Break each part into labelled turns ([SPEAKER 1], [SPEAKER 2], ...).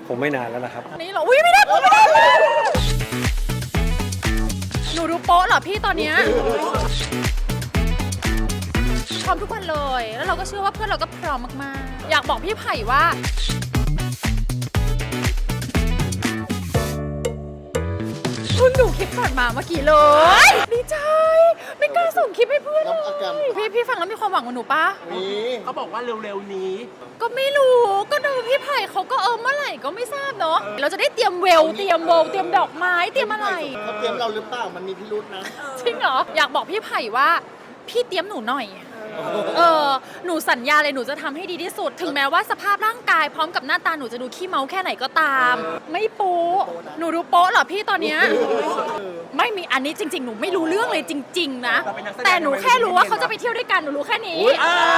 [SPEAKER 1] คงไม่นานแล้วนะครับ
[SPEAKER 2] นี่เหรออุ้ยไม่ได้หนูดูโป๊ะเหรอพี่ตอนเนี้ยพร้อมทุกวันเลยแล้วเราก็เชื่อว่าเพื่อนเราก็พร้อมมากๆอยากบอกพี่ไผ่ว่าเพิ่งดูคลิปก่อนมาเมื่อกี้เลยดีใจไม่กล้าส่งคลิปให้เพื่อนเลยพี่ฟังแล้วมีความหวังกับหนูปะ
[SPEAKER 3] เขาบอกว่าเร็วๆนี้
[SPEAKER 2] ก็ไม่รู้ก็ดูพี่ไผ่เขาก็เมื่อไหร่ก็ไม่ทราบเนาะเราจะได้เตรียมเวลเตรียมโบว์เตรียมดอกไม้เตรียมอะไร
[SPEAKER 4] เขาเตรียมเราหรือเปล่ามันมีพิรุธนะ
[SPEAKER 2] จริงเหรออยากบอกพี่ไผ่ว่าพี่เตรียมหนูหน่อยหนูสัญญาเลยหนูจะทำให้ดีที่สุดถึงแม้ว่าสภาพร่างกายพร้อมกับหน้าตาหนูจะดูขี้เมาแค่ไหนก็ตามไม่โป๊ะหนูดูโป๊ะเหรอพี่ตอนเนี้ยไม่มีอันนี้จริงๆหนูไม่รู้เรื่องเลยจริงๆนะแต่หนูแค่รู้ว่าเขาจะไปเที่ยวด้วยกันหนูรู้แค่นี้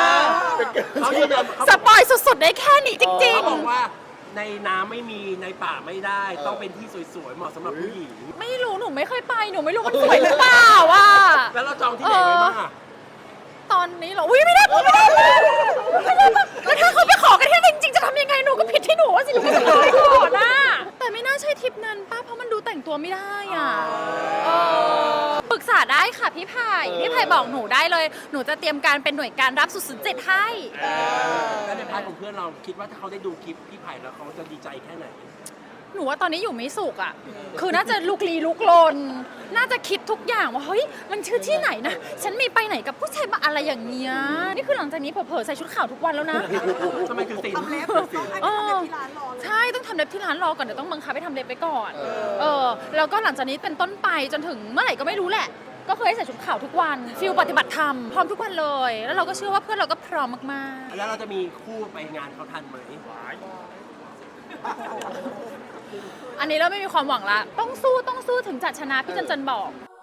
[SPEAKER 2] สปอยสุดๆได้แค่นี้จริงๆ
[SPEAKER 3] เขาบอกว่าในน้ำไม่มีในป่าไม่ได้ต้องเป็นที่สวยๆเหมาะสำหรับผู้หญิง
[SPEAKER 2] ไม่รู้หนูไม่เคยไปหนูไม่รู้มันสวยหรือเปล่าว่ะ
[SPEAKER 3] แล้วเราจองที่ไหนไว้บ้าง
[SPEAKER 2] ตอนนี้เหรออุ้ยไม่ได้แล้วถ้าเขาไปขอกันที่จริงๆจะทำยังไงหนูก็ผิดที่หนูสิหนูไม่ได้ขอนะแต่ไม่น่าใช่ทริปนั้นป้าเพราะมันดูแต่งตัวไม่ได้อ่ะปรึกษาได้ค่ะพี่ไผ่บอกหนูได้เลยหนูจะเตรียมการเป็นหน่วยการรับ007ให้
[SPEAKER 3] แล้วในพาร์ทของเพื่อนเราคิดว่าถ้าเขาได้ดูคลิปพี่ไผ่แล้วเขาจะดีใจแค่ไหน
[SPEAKER 2] หนูว่าตอนนี้อยู่ไม่สุขอ่ะคือน่าจะลุกลี้ลุกลนน่าจะคิดทุกอย่างว่าเฮ้ยมันชื่อที่ไหนนะฉันมีไปไหนกับผู้ชายมาอะไรอย่างเงี้ยนี่คือหลังจากนี้เผลอๆใส่ชุดขาวทุกวันแล้วนะ
[SPEAKER 3] ทำไมถึงติด
[SPEAKER 5] ทำเล็บต้องให้ทำเล็บที่ร้านรอ
[SPEAKER 2] ใช่ต้องทำเล็บที่ร้านรอก่อนเดี๋ยวต้องบังคับให้ทำเล็บไปก่อนแล้วก็หลังจากนี้เป็นต้นไปจนถึงเมื่อไหร่ก็ไม่รู้แหละก็เคยใส่ชุดขาวทุกวันฟิลปฏิบัติธรรมพร้อมทุกวันเลยแล้วเราก็เชื่อว่าเพื่อนเราก็พร้อมมาก
[SPEAKER 3] ๆแล้วเราจะมีคู่ไปงานเขาทันไหม
[SPEAKER 2] อันนี้เราไม่มีความหวังละต้องสู้ถึงจะชนะพี่จันบอก